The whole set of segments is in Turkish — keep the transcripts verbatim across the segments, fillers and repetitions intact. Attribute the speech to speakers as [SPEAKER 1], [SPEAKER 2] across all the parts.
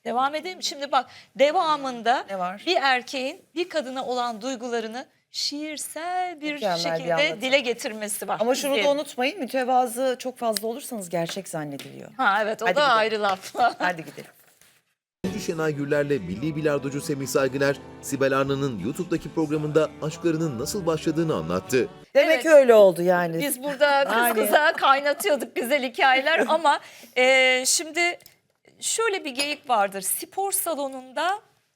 [SPEAKER 1] Devam edeyim. Şimdi bak, devamında
[SPEAKER 2] Ne var?
[SPEAKER 1] bir erkeğin bir kadına olan duygularını şiirsel bir
[SPEAKER 2] Mükemmel bir
[SPEAKER 1] şekilde
[SPEAKER 2] anlatım.
[SPEAKER 1] dile getirmesi var.
[SPEAKER 2] Ama şunu da
[SPEAKER 1] İzleyelim.
[SPEAKER 2] unutmayın, mütevazı çok fazla olursanız gerçek zannediliyor.
[SPEAKER 1] Ha evet, o
[SPEAKER 2] Hadi
[SPEAKER 1] da
[SPEAKER 2] gidelim.
[SPEAKER 1] ayrı laf.
[SPEAKER 2] Hadi gidelim.
[SPEAKER 3] Oyuncu Şenay Gürler'le milli bilardocu Semih Saygıner, Sibel Arna'nın YouTube'daki programında aşklarının nasıl başladığını anlattı.
[SPEAKER 2] Demek
[SPEAKER 1] Evet.
[SPEAKER 2] öyle oldu yani.
[SPEAKER 1] Biz burada kız
[SPEAKER 2] Yani.
[SPEAKER 1] kıza kaynatıyorduk güzel hikayeler ama e, şimdi şöyle bir geyik vardır. Spor salonunda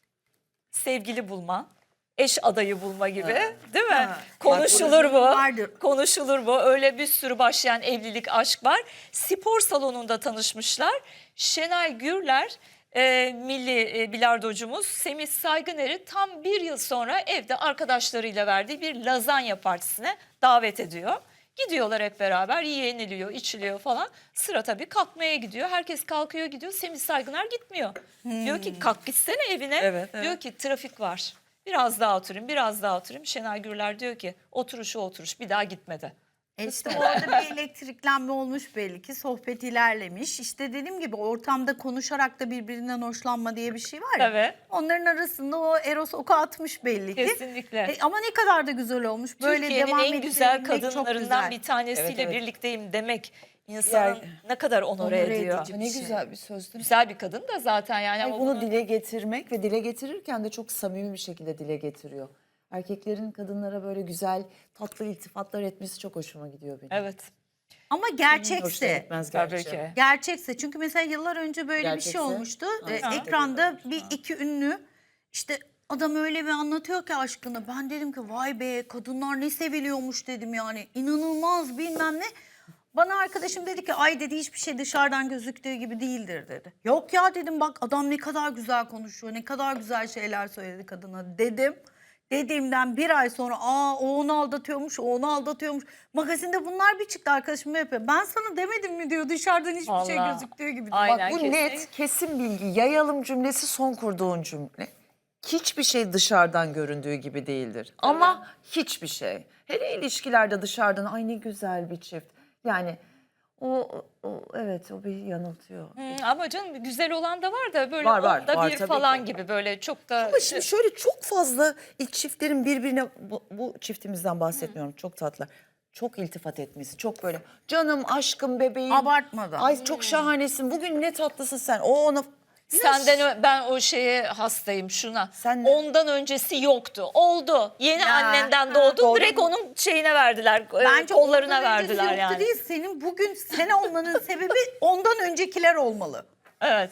[SPEAKER 1] sevgili bulma, eş adayı bulma gibi, değil mi?
[SPEAKER 4] Ha.
[SPEAKER 1] Konuşulur bu.
[SPEAKER 4] Vardır.
[SPEAKER 1] Konuşulur bu. Öyle bir sürü başlayan evlilik, aşk var. Spor salonunda tanışmışlar. Şenay Gürler, e, milli e, bilardocumuz Semih Saygıner'i tam bir yıl sonra evde arkadaşlarıyla verdiği bir lazanya partisine davet ediyor. Gidiyorlar hep beraber, yeniliyor, içiliyor falan. Sıra tabii kalkmaya gidiyor. Herkes kalkıyor gidiyor. Semih Saygıner gitmiyor. Diyor ki kalk gitsene evine.
[SPEAKER 2] Evet, evet.
[SPEAKER 1] Diyor ki trafik var. Biraz daha oturayım, biraz daha oturayım. Şenay Gürler diyor ki oturuşu oturuş, bir daha gitmedi.
[SPEAKER 4] E işte orada bir elektriklenme olmuş belli ki, sohbet ilerlemiş. İşte dediğim gibi ortamda konuşarak da birbirinden hoşlanma diye bir şey var ya.
[SPEAKER 1] Evet.
[SPEAKER 4] Onların arasında o Eros oku atmış belli ki.
[SPEAKER 1] Kesinlikle.
[SPEAKER 4] E, ama ne kadar da güzel olmuş. Böyle
[SPEAKER 1] Türkiye'nin
[SPEAKER 4] devam
[SPEAKER 1] en güzel
[SPEAKER 4] ettirebilmek çok
[SPEAKER 1] kadınlarından
[SPEAKER 4] güzel.
[SPEAKER 1] bir tanesiyle
[SPEAKER 2] Evet, evet.
[SPEAKER 1] birlikteyim demek insanın
[SPEAKER 2] Yani-
[SPEAKER 1] ne kadar onore,
[SPEAKER 4] Onore
[SPEAKER 1] ediyor.
[SPEAKER 4] edici.
[SPEAKER 2] Ne
[SPEAKER 4] şey.
[SPEAKER 2] güzel bir söz değil mi?
[SPEAKER 1] Güzel bir kadın da zaten yani.
[SPEAKER 2] Hayır,
[SPEAKER 1] ama
[SPEAKER 2] bunu
[SPEAKER 1] bunu-
[SPEAKER 2] dile getirmek ve dile getirirken de çok samimi bir şekilde dile getiriyor. Erkeklerin kadınlara böyle güzel, tatlı iltifatlar etmesi çok hoşuma gidiyor benim.
[SPEAKER 1] Evet.
[SPEAKER 4] Ama
[SPEAKER 2] Hoşuna
[SPEAKER 4] gerçekse.
[SPEAKER 2] gitmez
[SPEAKER 1] Tabii
[SPEAKER 2] gerçi.
[SPEAKER 1] ki.
[SPEAKER 4] Gerçekse, çünkü mesela yıllar önce böyle bir
[SPEAKER 2] Gerçekse?
[SPEAKER 4] şey olmuştu.
[SPEAKER 2] Ha,
[SPEAKER 4] Ee,
[SPEAKER 2] ha.
[SPEAKER 4] ekranda bir iki ünlü, işte adam öyle bir anlatıyor ki aşkını. Ben dedim ki vay be, kadınlar ne seviliyormuş dedim yani. İnanılmaz bilmem ne. Bana arkadaşım dedi ki ay dedi, hiçbir şey dışarıdan gözüktüğü gibi değildir dedi. Yok ya dedim, bak adam ne kadar güzel konuşuyor, ne kadar güzel şeyler söyledi kadına dedim. Dediğimden bir ay sonra aa o onu aldatıyormuş, o onu aldatıyormuş. Magazinde bunlar bir çıktı, arkadaşım yapıyor. Ben sana demedim mi diyor, dışarıdan hiçbir şey
[SPEAKER 1] Vallahi.
[SPEAKER 4] gözüktüğü gibi.
[SPEAKER 1] Aynen.
[SPEAKER 2] Bak bu
[SPEAKER 1] kesin.
[SPEAKER 2] net, kesin bilgi. Yayalım cümlesi son kurduğun cümle. Hiçbir şey dışarıdan göründüğü gibi değildir. Ama hiçbir şey. Hele ilişkilerde dışarıdan ay ne güzel bir çift. Yani o, o evet o bir yanıltıyor.
[SPEAKER 1] Hı, ama canım güzel olan da var da böyle
[SPEAKER 2] Var, var,
[SPEAKER 1] onda
[SPEAKER 2] var
[SPEAKER 1] bir
[SPEAKER 2] tabii
[SPEAKER 1] falan
[SPEAKER 2] ki.
[SPEAKER 1] gibi böyle çok da.
[SPEAKER 2] Ama şimdi şöyle çok fazla ilk çiftlerin birbirine, bu, bu çiftimizden bahsetmiyorum, çok tatlı. Çok iltifat etmesi, çok böyle canım, aşkım, bebeğim.
[SPEAKER 4] Abartmadan.
[SPEAKER 2] Ay çok şahanesin, bugün ne tatlısın sen. O ona...
[SPEAKER 1] Senden ö- ben o şeye hastayım şuna.
[SPEAKER 2] Sen ne?
[SPEAKER 1] Ondan öncesi yoktu. Oldu. Yeni
[SPEAKER 4] Ya,
[SPEAKER 1] annenden
[SPEAKER 4] ha,
[SPEAKER 1] doğdu.
[SPEAKER 2] doğru.
[SPEAKER 1] Direkt onun şeyine verdiler. e,
[SPEAKER 4] Bence
[SPEAKER 1] kollarına
[SPEAKER 4] ondan öncesi
[SPEAKER 1] verdiler
[SPEAKER 4] yoktu
[SPEAKER 1] yani.
[SPEAKER 4] değil, senin bugün sen olmanın sebebi ondan öncekiler olmalı.
[SPEAKER 1] Evet.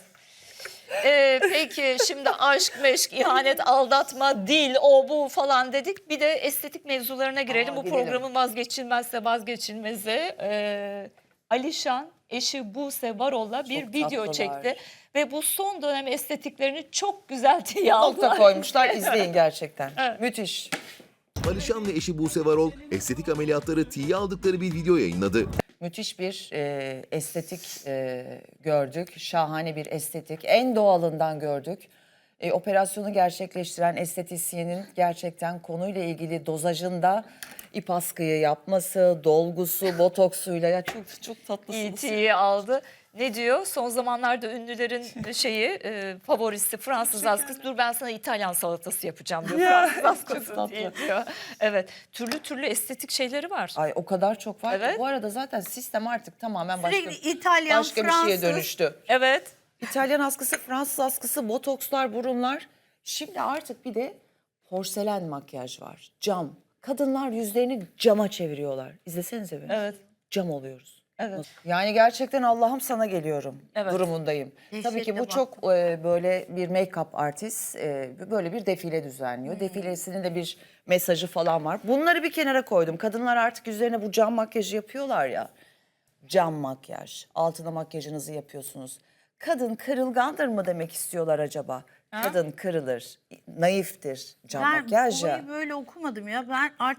[SPEAKER 1] Ee, peki şimdi aşk, meşk, ihanet, aldatma, dil, o bu falan dedik. Bir de estetik mevzularına girelim.
[SPEAKER 2] Aa,
[SPEAKER 1] Bu
[SPEAKER 2] girelim.
[SPEAKER 1] programın vazgeçilmezse vazgeçilmezi. Ee, Alişan eşi Buse Varol'la bir
[SPEAKER 2] Çok
[SPEAKER 1] video
[SPEAKER 2] tatlılar.
[SPEAKER 1] çekti. Ve bu son dönem estetiklerini çok güzel diye
[SPEAKER 2] Nokta
[SPEAKER 1] aldılar.
[SPEAKER 2] koymuşlar, izleyin gerçekten.
[SPEAKER 1] Evet.
[SPEAKER 2] Müthiş.
[SPEAKER 3] Alişan ve eşi Buse Varol, estetik ameliyatları tiye aldıkları bir video yayınladı.
[SPEAKER 2] Müthiş bir e, estetik e, gördük. Şahane bir estetik. En doğalından gördük. E, operasyonu gerçekleştiren estetisyenin gerçekten konuyla ilgili dozajında ip askıyı yapması, dolgusu, botoksuyla ya çok çok tatlısınız.
[SPEAKER 1] E T'yi aldı. Ne diyor? Son zamanlarda ünlülerin şeyi e, favorisi Fransız askısı. Dur ben sana İtalyan salatası yapacağım diyor.
[SPEAKER 2] Ya,
[SPEAKER 1] Fransız
[SPEAKER 2] çok
[SPEAKER 1] askısı
[SPEAKER 2] tatlı.
[SPEAKER 1] değil diyor. Evet. Türlü türlü estetik şeyleri var.
[SPEAKER 2] Ay o kadar çok var ki.
[SPEAKER 1] Evet.
[SPEAKER 2] Bu arada zaten sistem artık tamamen başka,
[SPEAKER 4] Sürekli İtalyan,
[SPEAKER 2] başka bir
[SPEAKER 4] Fransız.
[SPEAKER 2] şeye dönüştü.
[SPEAKER 1] Evet.
[SPEAKER 2] İtalyan askısı, Fransız askısı, botokslar, burunlar. Şimdi artık bir de porselen makyaj var. Cam. Kadınlar yüzlerini cama çeviriyorlar. İzlesenize bir.
[SPEAKER 1] Evet.
[SPEAKER 2] Cam oluyoruz.
[SPEAKER 1] Evet.
[SPEAKER 2] Yani gerçekten Allah'ım sana geliyorum
[SPEAKER 1] Evet.
[SPEAKER 2] durumundayım.
[SPEAKER 4] Dehşetle
[SPEAKER 2] Tabii ki bu
[SPEAKER 4] bak.
[SPEAKER 2] çok e, böyle bir make-up artist e, böyle bir defile düzenliyor. Defilesinin de bir mesajı falan var. Bunları bir kenara koydum. Kadınlar artık yüzlerine bu cam makyajı yapıyorlar ya. Cam makyaj. Altına makyajınızı yapıyorsunuz. Kadın kırılgandır mı demek istiyorlar acaba? Kadın kırılır, naiftir cam
[SPEAKER 4] Ben
[SPEAKER 2] makyaj ya.
[SPEAKER 4] olayı böyle okumadım ya. Ben artık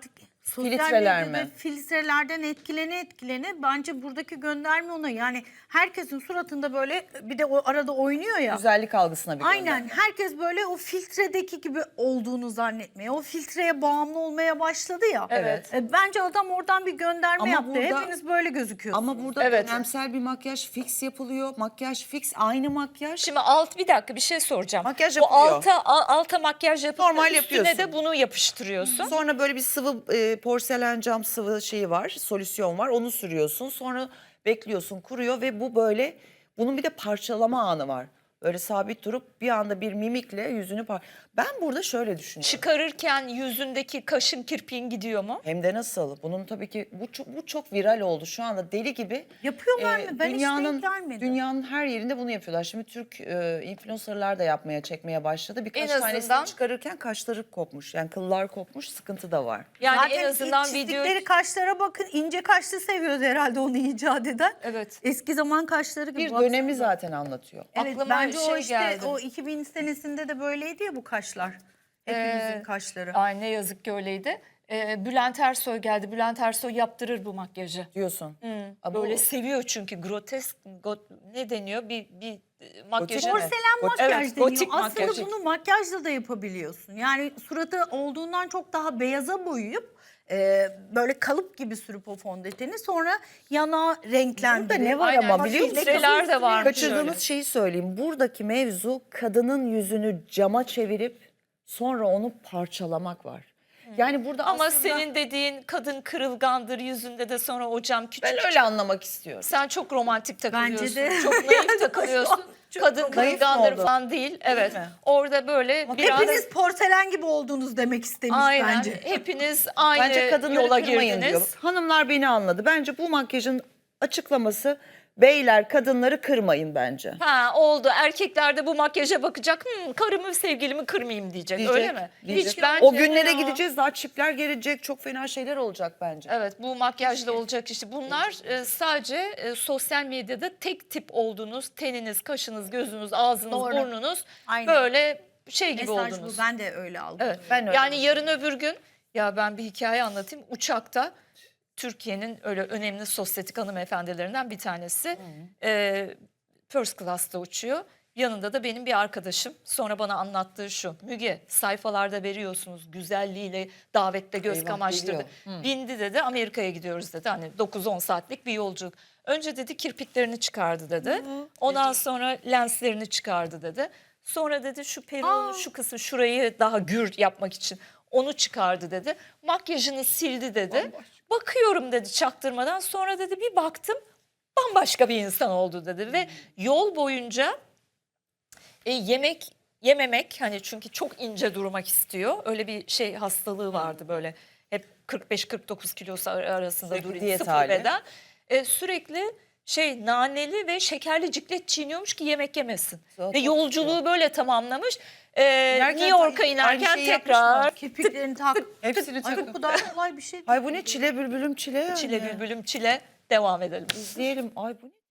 [SPEAKER 4] sosyal
[SPEAKER 2] Filtreler
[SPEAKER 4] medyada
[SPEAKER 2] mi?
[SPEAKER 4] filtrelerden etkilene etkilene bence buradaki gönderme ona. Yani herkesin suratında böyle bir de o arada oynuyor ya.
[SPEAKER 2] Güzellik algısına bir
[SPEAKER 4] Aynen
[SPEAKER 2] gönderme.
[SPEAKER 4] herkes böyle o filtredeki gibi olduğunu zannetmeye, o filtreye bağımlı olmaya başladı ya.
[SPEAKER 2] Evet.
[SPEAKER 4] E, Bence adam oradan bir gönderme
[SPEAKER 2] Ama
[SPEAKER 4] yaptı.
[SPEAKER 2] burada-
[SPEAKER 4] Hepiniz böyle gözüküyorsunuz.
[SPEAKER 2] Ama burada
[SPEAKER 1] Evet.
[SPEAKER 2] dönemsel bir makyaj fix yapılıyor. Makyaj fix, aynı makyaj.
[SPEAKER 1] Şimdi alt bir dakika bir şey soracağım.
[SPEAKER 2] Makyaj
[SPEAKER 1] Bu
[SPEAKER 2] yapılıyor.
[SPEAKER 1] alta a- alta makyaj yapıp
[SPEAKER 2] Normal
[SPEAKER 1] da üstüne
[SPEAKER 2] yapıyorsun.
[SPEAKER 1] de bunu yapıştırıyorsun.
[SPEAKER 2] Sonra böyle bir sıvı e, porselen cam sıvı şeyi var, solüsyon var. Onu sürüyorsun. Sonra bekliyorsun, kuruyor ve bu böyle, bunun bir de parçalama anı var. Böyle sabit durup bir anda bir mimikle yüzünü par... Ben burada şöyle düşünüyorum.
[SPEAKER 1] Çıkarırken yüzündeki kaşın kirpiğin gidiyor mu?
[SPEAKER 2] Hem de nasıl? Bunun tabii ki bu çok, bu çok viral oldu şu anda, deli gibi.
[SPEAKER 4] Yapıyorlar
[SPEAKER 2] Ee,
[SPEAKER 4] mı? Ben hiç
[SPEAKER 2] dünyanın,
[SPEAKER 4] denk gelmedim.
[SPEAKER 2] Dünyanın her yerinde bunu yapıyorlar. Şimdi Türk e, influencerlar da yapmaya, çekmeye başladı. Birkaç
[SPEAKER 1] En
[SPEAKER 2] tanesini
[SPEAKER 1] azından-
[SPEAKER 2] çıkarırken kaşları kopmuş. Yani kıllar kopmuş, sıkıntı da var.
[SPEAKER 1] Yani
[SPEAKER 4] Zaten
[SPEAKER 1] en azından
[SPEAKER 4] ilk
[SPEAKER 1] video
[SPEAKER 4] çizdikleri kaşlara bakın. İnce kaşlı seviyoruz herhalde onu icat eden.
[SPEAKER 1] Evet.
[SPEAKER 4] Eski zaman kaşları gibi.
[SPEAKER 2] Bir
[SPEAKER 4] baksana.
[SPEAKER 2] dönemi zaten anlatıyor.
[SPEAKER 4] Evet,
[SPEAKER 1] Aklıma
[SPEAKER 4] bence
[SPEAKER 1] şey
[SPEAKER 4] o işte
[SPEAKER 1] geldi.
[SPEAKER 4] o iki bin senesinde de böyleydi ya bu kaşlar. Hepimizin
[SPEAKER 1] Ee,
[SPEAKER 4] kaşları.
[SPEAKER 1] Ay ne yazık ki öyleydi. Ee, Bülent Ersoy geldi. Bülent Ersoy yaptırır bu makyajı.
[SPEAKER 2] Diyorsun.
[SPEAKER 1] Hı,
[SPEAKER 2] bu-
[SPEAKER 1] Böyle seviyor çünkü grotesk go- ne deniyor bir bir e, makyajı.
[SPEAKER 2] mi?
[SPEAKER 4] Porselen
[SPEAKER 2] Gotik-
[SPEAKER 4] makyaj
[SPEAKER 1] Evet,
[SPEAKER 4] deniyor.
[SPEAKER 1] gotik
[SPEAKER 4] Aslında
[SPEAKER 1] makyaj.
[SPEAKER 4] bunu makyajla da yapabiliyorsun. Yani suratı olduğundan çok daha beyaza boyayıp e, böyle kalıp gibi sürüp o fondöteni sonra yana renklendirip.
[SPEAKER 2] Burada ne var
[SPEAKER 1] Aynen,
[SPEAKER 2] ama biliyor musun?
[SPEAKER 1] filtreler de varmış
[SPEAKER 2] Kaçırdığımız
[SPEAKER 1] öyle.
[SPEAKER 2] şeyi söyleyeyim. Buradaki mevzu kadının yüzünü cama çevirip sonra onu parçalamak var. Yani burada
[SPEAKER 1] Ama
[SPEAKER 2] aslında
[SPEAKER 1] senin dediğin kadın kırılgandır yüzünde de sonra o cam küçük.
[SPEAKER 2] ben öyle anlamak istiyorum.
[SPEAKER 1] Sen çok romantik takılıyorsun.
[SPEAKER 4] Bence de.
[SPEAKER 1] Çok naif takılıyorsun.
[SPEAKER 4] Çok
[SPEAKER 1] Kadın
[SPEAKER 4] naif
[SPEAKER 1] kırılgandır
[SPEAKER 2] oldu.
[SPEAKER 1] falan değil. Evet.
[SPEAKER 2] mi?
[SPEAKER 1] Orada böyle biraz
[SPEAKER 4] Hepiniz porselen gibi oldunuz demek istemiş
[SPEAKER 1] aynen
[SPEAKER 4] bence.
[SPEAKER 1] hepiniz aynı
[SPEAKER 2] Bence kadınları
[SPEAKER 1] yola
[SPEAKER 2] kırmayın
[SPEAKER 1] girdiniz.
[SPEAKER 2] diyor. Hanımlar beni anladı. Bence bu makyajın açıklaması, beyler kadınları kırmayın bence.
[SPEAKER 1] Ha oldu. Erkekler de bu makyaja bakacak. Hmm, karımı sevgilimi kırmayayım diyecek.
[SPEAKER 2] Diyecek,
[SPEAKER 1] Öyle mi?
[SPEAKER 2] diyecek.
[SPEAKER 1] Hiç bence
[SPEAKER 2] O günlere
[SPEAKER 1] ya.
[SPEAKER 2] gideceğiz, daha çipler gelecek, çok fena şeyler olacak bence.
[SPEAKER 1] Evet bu makyajla olacak işte. Bunlar e, sadece e, sosyal medyada tek tip olduğunuz teniniz, kaşınız, gözünüz, ağzınız,
[SPEAKER 4] Doğru.
[SPEAKER 1] burnunuz
[SPEAKER 4] Aynen.
[SPEAKER 1] böyle şey gibi
[SPEAKER 4] Mesaj
[SPEAKER 1] oldunuz.
[SPEAKER 4] bu. Ben de öyle aldım.
[SPEAKER 1] Evet.
[SPEAKER 2] Ben öyle
[SPEAKER 1] yani yarın öbür gün ya ben bir hikaye anlatayım. Uçakta Türkiye'nin öyle önemli sosyetik hanımefendilerinden bir tanesi e, first class'ta uçuyor. Yanında da benim bir arkadaşım. Sonra bana anlattığı şu. Müge sayfalarda veriyorsunuz güzelliğiyle davette göz
[SPEAKER 2] Eyvah,
[SPEAKER 1] kamaştırdı.
[SPEAKER 2] geliyor.
[SPEAKER 1] Bindi dedi Amerika'ya gidiyoruz dedi. Hani dokuz on saatlik bir yolculuk. Önce dedi kirpiklerini çıkardı dedi. Ondan sonra lenslerini çıkardı dedi. Sonra dedi şu peruğu şu kısmı şurayı daha gür yapmak için onu çıkardı dedi. Makyajını sildi dedi. Bakıyorum dedi çaktırmadan. Sonra dedi bir baktım bambaşka bir insan oldu dedi. Ve yol boyunca e, yemek yememek hani çünkü çok ince durmak istiyor. Öyle bir şey hastalığı vardı böyle. Hep kırk beş kırk dokuz kilosu ar- arasında
[SPEAKER 2] Sürekli
[SPEAKER 1] duruyor.
[SPEAKER 2] diyet
[SPEAKER 1] Sıfır
[SPEAKER 2] hali.
[SPEAKER 1] beden. E, sürekli şey naneli ve şekerli ciklet çiğniyormuş ki yemek yemesin.
[SPEAKER 2] Çok
[SPEAKER 1] Ve yolculuğu böyle tamamlamış. E,
[SPEAKER 2] İnerken
[SPEAKER 1] New York'a
[SPEAKER 2] aynı
[SPEAKER 1] inerken
[SPEAKER 2] şeyi
[SPEAKER 1] tekrar
[SPEAKER 2] yapmış
[SPEAKER 4] Kirpiklerini tak.
[SPEAKER 2] Hepsini
[SPEAKER 4] Ay
[SPEAKER 2] takın.
[SPEAKER 4] bu daha kolay bir şey değil.
[SPEAKER 2] Ay bu ne, çile bülbülüm çile yani.
[SPEAKER 1] çile bülbülüm çile devam edelim.
[SPEAKER 2] İzleyelim. Ay bu ne?